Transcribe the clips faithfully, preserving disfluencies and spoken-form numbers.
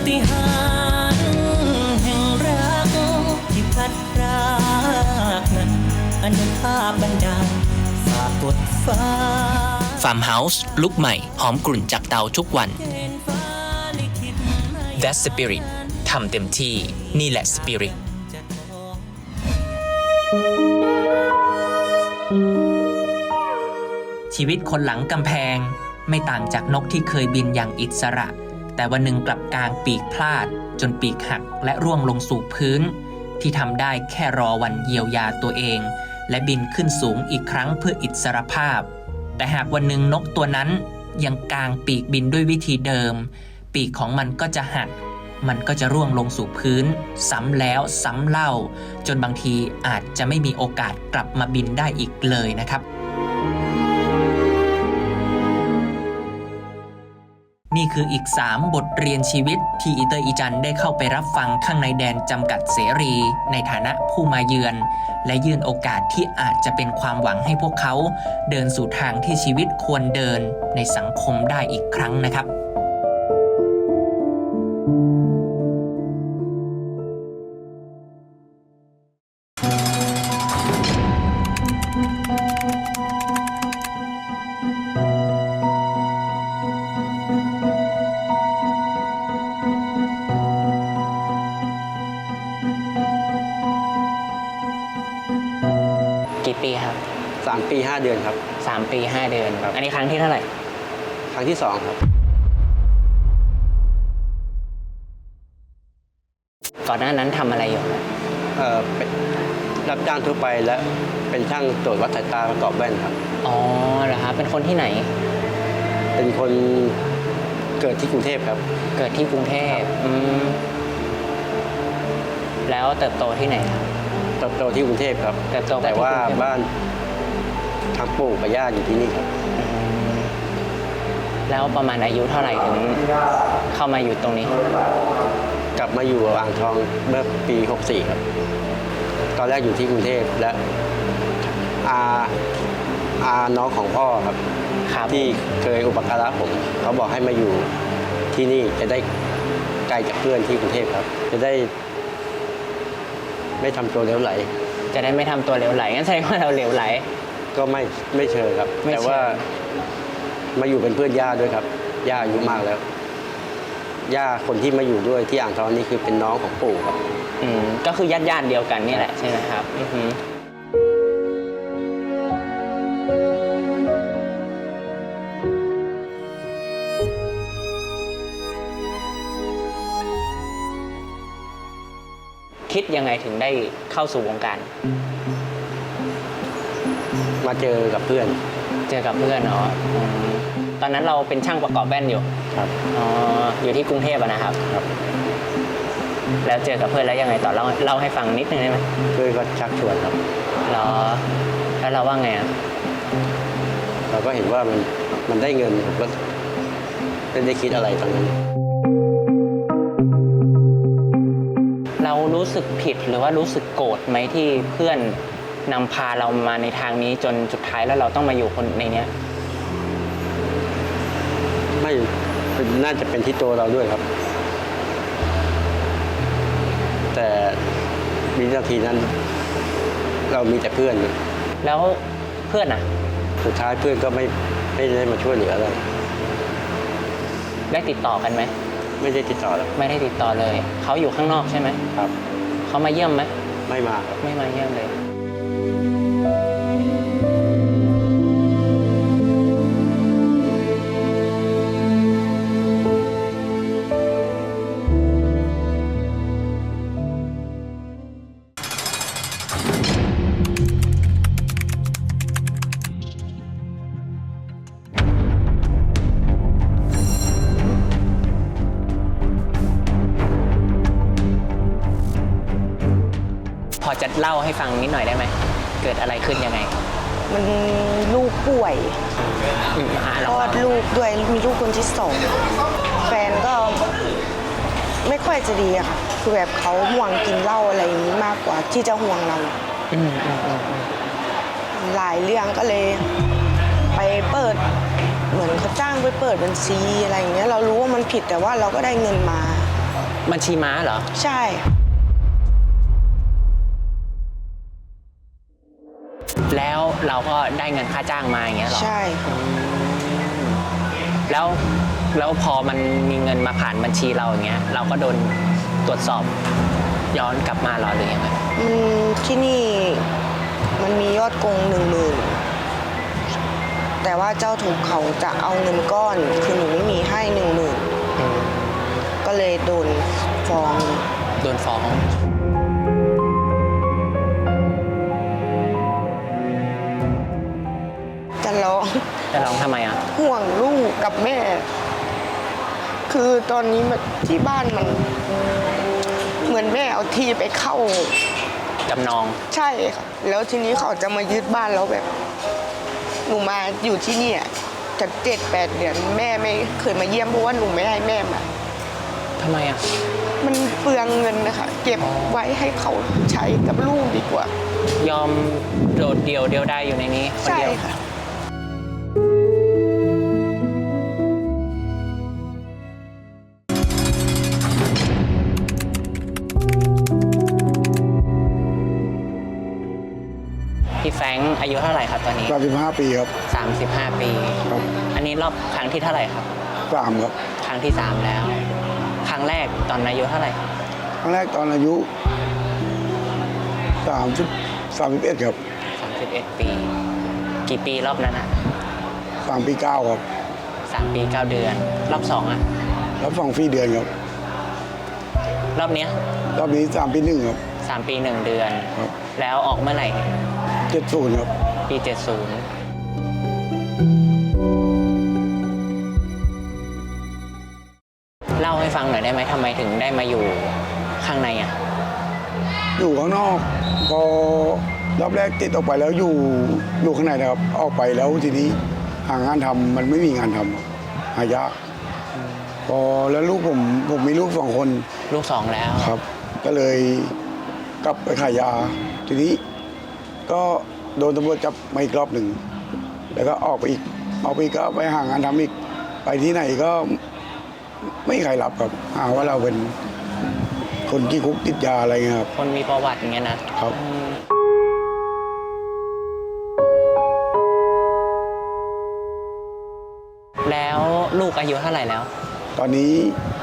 ฏิหาริย์แห่งรักที่พัดพรากนั้นอนุภาพบันดาลฝากกดฟ้าฟาร์มเฮาส์ลุกใหม่หอมกลุ่นจากเตาทุกวัน That Spirit ทำเต็มที่นี่แหละ Spirit ชีวิตคนหลังกำแพงไม่ต่างจากนกที่เคยบินอย่างอิสระแต่วันหนึ่งกลับกลางปีกพลาดจนปีกหักและร่วงลงสู่พื้นที่ทำได้แค่รอวันเยียวยาตัวเองและบินขึ้นสูงอีกครั้งเพื่ออิสรภาพแต่หากวันหนึ่งนกตัวนั้นยังกางปีกบินด้วยวิธีเดิมปีกของมันก็จะหักมันก็จะร่วงลงสู่พื้นซ้ำแล้วซ้ำเล่าจนบางทีอาจจะไม่มีโอกาสกลับมาบินได้อีกเลยนะครับนี่คืออีกสามบทเรียนชีวิตที่อีเตอร์อีจันได้เข้าไปรับฟังข้างในแดนจำกัดเสรีในฐานะผู้มาเยือนและยื่นโอกาสที่อาจจะเป็นความหวังให้พวกเขาเดินสู่ทางที่ชีวิตควรเดินในสังคมได้อีกครั้งนะครับกี่ปีครับสามปีห้าเดือนครับสามปีห้าเดือนครับอันนี้ครั้งที่เท่าไหร่ครั้งที่สองครับก่อนหน้านั้นทำอะไรอยู่เอ่อเป็นรับจ้างทั่วไปและเป็นช่างตรวจวัดสายตาประกอบแว่นครับอ๋อเหรอครับเป็นคนที่ไหนเป็นคนเกิดที่กรุงเทพครับเกิดที่กรุงเทพอืมแล้วเติบโตที่ไหนครับเติบโตที่กรุงเทพครับแต่ว่าบ้านทางปู่กับย่าอยู่ที่นี่ครับแล้วประมาณอายุเท่าไหร่ถึงเข้ามาอยู่ตรงนี้กลับมาอยู่อ่างทองเมื่อปีหกสี่ครับตอนแรกอยู่ที่กรุงเทพและอาอาน้องของพ่อครับที่เคยอุปการะผมเขาบอกให้มาอยู่ที่นี่จะได้ไกลจากเพื่อนที่กรุงเทพครับจะได้ไม่ทำตัวเหลวไหลจะได้ไม่ทำตัวเหลวไหลงั้นแสดงว่าเราเหลวไหลก็ไม่ไม่เชิงครับแต่ว่ามาอยู่เป็นเพื่อนย่าด้วยครับย่าอายุมากแล้วย่าคนที่มาอยู่ด้วยที่อ่างทองนี่คือเป็นน้องของปู่ครับอืมก็คือญาติญาติเดียวกันนี่แหละใช่ไหมครับอือฮึคิดยังไงถึงได้เข้าสู่วงการมาเจอกับเพื่อนเจอกับเพื่อนเนาะตอนนั้นเราเป็นช่างประกอบแว่นอยู่ครับอ๋ออยู่ที่กรุงเทพนะครับครับแล้วเจอกับเพื่อนแล้วยังไงต่อเล่าเล่าให้ฟังนิดนึงได้ไหมเพื่อนก็ชักชวนครับเหรอแล้วเราว่าไงอ่ะเราก็เห็นว่ามันมันได้เงินผมก็ไม่ได้คิดอะไรตอนนั้นเรารู้สึกผิดหรือว่ารู้สึกโกรธไหมที่เพื่อนนำพาเรามาในทางนี้จนสุดท้ายแล้วเราต้องมาอยู่คนในเนี้ยไม่น่าจะเป็นที่ตัวเราด้วยครับแต่วินาทีนั้นเรามีแต่เพื่อนแล้วเพื่อนอ่ะสุดท้ายเพื่อนก็ไม่ไม่ได้มาช่วยเหลืออะไรได้ติดต่อกันไหมไม่ได้ติดต่อแล้วไม่ได้ติดต่อเลยเขาอยู่ข้างนอกใช่ไหมครับเขามาเยี่ยมไหมไม่มาครับไม่มาเยี่ยมเลยพอจะเล่าให้ฟังนิดหน่อยได้ไหมเกิดอะไรขึ้นยังไงมันลูกป่วยคลอดลูกด้วยมีลูกคนที่สองแฟนก็ไม่ค่อยจะดีอะค่ะคือแบบเขาห่วงกินเหล้าอะไรอย่างนี้มากกว่าที่จะห่วงเราหลายเรื่องก็เลยไปเปิดเหมือนเขาจ้างไปเปิดบัญชีอะไรอย่างเงี้ยเรารู้ว่ามันผิดแต่ว่าเราก็ได้เงินมาบัญชีม้าเหรอใช่แล้วเราก็ได้เงินค่าจ้างมาอย่างเงี้ยเหรอใช่แล้วแล้วพอมันมีเงินมาผ่านบัญชีเราอย่างเงี้ย เราก็โดนตรวจสอบย้อนกลับมาเหรอหรือยังไงมันที่นี่มันมียอดโกงหนึ่งหมื่นแต่ว่าเจ้าทุกข์เขาจะเอาเงินก้อน คือหนูไม่มีให้หนึ่งหมื่นก็เลยโดนฟ้องโดนฟ้องจะร้องจะร้องทำไมอ่ะห่วงลูกกับแม่ คือตอนนี้มันที่บ้านมัน เหมือนแม่เอาที่ไปเข้าจำนองใช่ค่ะ แล้วทีนี้เขาจะมายึดบ้านแล้วแบบ หนูมาอยู่ที่นี่จะเจ็ดแปดเดือนแม่ไม่เคยมาเยี่ยมเพราะว่าหนูไม่ให้แม่มาทำไมอ่ะมันเปลืองเงินนะคะ เก็บไว้ให้เขาใช้กับลูกดีกว่ายอมโดดเดี่ยวเดียวได้อยู่ในนี้คนใช่เดียวค่ะพี่แฟรงค์อายุเท่าไหร่ครับตอนนี้สามสิบห้าปีครับสามสิบห้า ปีครับอันนี้รอบครั้งที่เท่าไหร่ครับสามครับครั้งที่สามแล้ว ครั้งแรกตอนอายุเท่าไหร่ครั้งแรกตอนอายุสามสิบสามสิบเอ็ดครับสามสิบเอ็ด ปี กี่ปีรอบนั้นอ่ะสามปีเก้าครับสามปีเก้าเดือน รอบสองอ่ะรับสองฟรีเดือนครับรอบเนี้ยรอบนี้สามปีหนึ่งครับสามปีหนึ่งเดือนครับแล้วออกเมื่อไหร่เจ็ดศูนย์ครับปีเจ็ดสิบเล่าให้ฟังหน่อยได้ไหมทำไมถึงได้มาอยู่ข้างในอ่ะอยู่ข้างนอก พอรอบแรกติดออกไปแล้วอยู่อยู่ข้างในนะครับ ออกไปแล้วทีนี้หางานทำมันไม่มีงานทำหายากพอแล้วลูกผมผมมีลูกสองคนลูกสองแล้วครับ ก็เลยกลับไปขายยา ทีนี้ก็โดนตำรวจจับมาอีกรอบหนึ่ง แล้วก็ออกไปอีก ออกไปอีกก็ไปหางานทำอีก ไปที่ไหนก็ไม่มีใครรับครับ หาว่าเราเป็นคนขี้คุกติดยาอะไรเงี้ยครับคนมีประวัติอย่างเงี้ยนะครับ อืมแล้วลูกอายุเท่าไหร่แล้วตอนนี้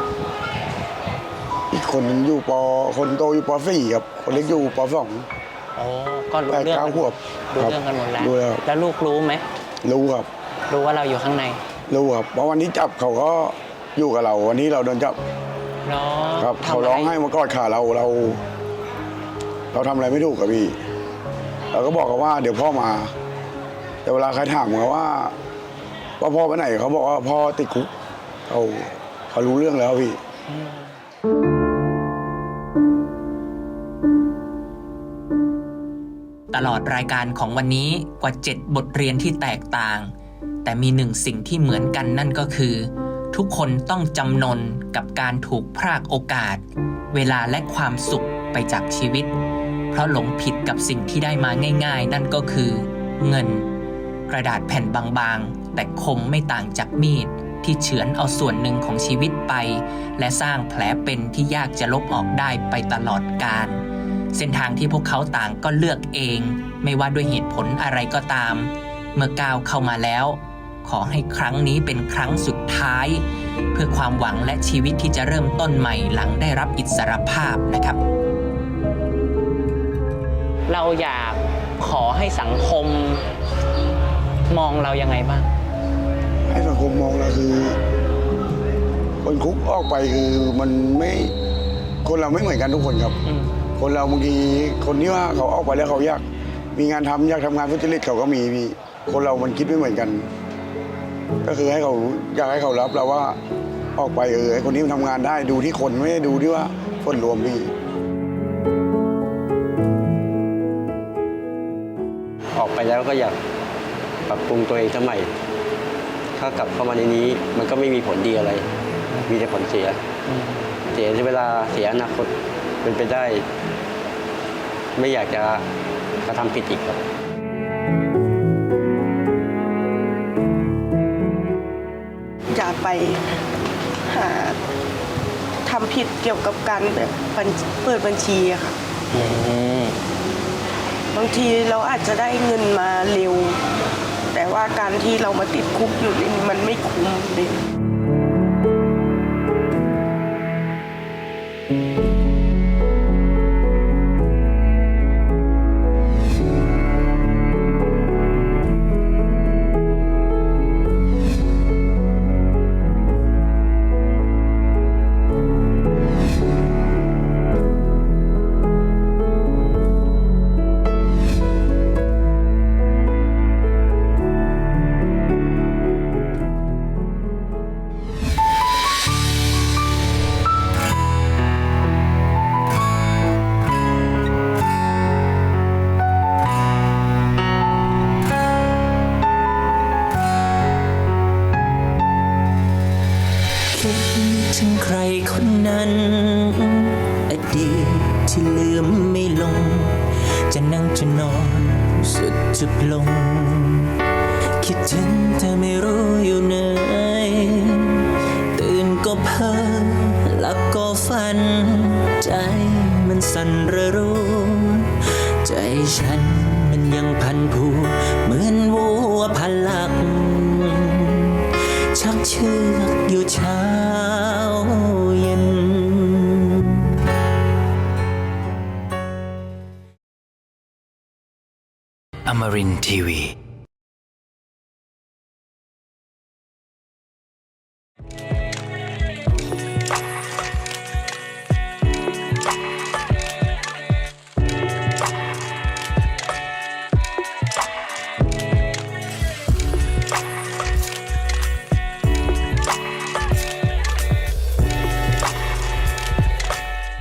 อีกคนหนึ่งอยู่ปคนโตอยู่ปสี่ครับ คนเล็กอยู่ปสองโอ้ก็รู้แปดเรื่องเก้าขวบรู้ครับเรื่องกันหมดแล้วรู้แล้วแล้วลูกรู้ไหมรู้ครับรู้ว่าเราอยู่ข้างในรู้ครับ เพราะวันนี้จับเขาก็อยู่กับเรา วันนี้เราโดนจับเนาะครับ เขาร้องให้มากอดขาเราเรา เราทำอะไรไม่ถูกกับพี่ เราก็บอกเขาว่าเดี๋ยวพ่อมา แต่เวลาใครถามเขาว่าว่าพ่อไปไหนเขาบอกว่าพ่อติดคุกเขาเขารู้เรื่องแล้วพี่ตลอดรายการของวันนี้กว่าเจ็ดบทเรียนที่แตกต่าง แต่มีหนึ่งสิ่งที่เหมือนกันนั่นก็คือ ทุกคนต้องจำนนกับการถูกพรากโอกาส เวลาและความสุขไปจากชีวิต เพราะหลงผิดกับสิ่งที่ได้มาง่ายๆ นั่นก็คือ เงิน กระดาษแผ่นบางๆ แต่คมไม่ต่างจากมีดที่เฉือนเอาส่วนหนึ่งของชีวิตไป และสร้างแผลเป็นที่ยากจะลบออกได้ไปตลอดกาล เส้นทางที่พวกเขาต่างก็เลือกเอง ไม่ว่าด้วยเหตุผลอะไรก็ตาม เมื่อก้าวเข้ามาแล้ว ขอให้ครั้งนี้เป็นครั้งสุดท้าย เพื่อความหวังและชีวิตที่จะเริ่มต้นใหม่หลังได้รับอิสรภาพนะครับ เราอยากขอให้สังคมมองเรายังไงบ้างให้สังคมมองเราคือ คนคุกออกไปคือมันไม่คนเราไม่เหมือนกันทุกคนครับอืมคนเราบางทีคนที่ว่าเขาออกไปแล้วเขาอยากมีงานทำอยากทำงานทุจริตเขาก็มีพี่คนเรามันคิดไม่เหมือนกัน ก็คือให้เขาอยากให้เขารับเราว่าออกไปเออไอ้คนนี้มันทำงานได้ดูที่คนไม่ได้ดูที่ว่าคนรวมพี่ออกไปแล้วก็อยากปรับปรุงตัวเองสมัย ถ้ากลับเข้ามาในนี้มันก็ไม่มีผลดีอะไร มีแต่ผลเสีย เสียเวลาเสียอนาคตเป็นไปได้ ไม่อยากจะกระทำผิดอีกครับอยากไปหาทำผิดเกี่ยวกับการแบบบัญเปิดบัญชีอะค่ะอืมบางทีเราอาจจะได้เงินมาเร็ว แต่ว่าการที่เรามาติดคุกอยู่นี่มันไม่คุ้มเลยคิดถึงใครคนนั้น อดีตที่ลืมไม่ลง จะนั่งจะนอนสุดจุดลง คิดถึงแต่ไม่รู้อยู่ไหนตื่นก็เพ้อหลับก็ฝัน ใจมันสั่นระรู้ ใจฉันมันยังพันผูเหมือนวัวพันหลัก ชักเชือกอยู่เช้าเย็น Amarin Tiwi.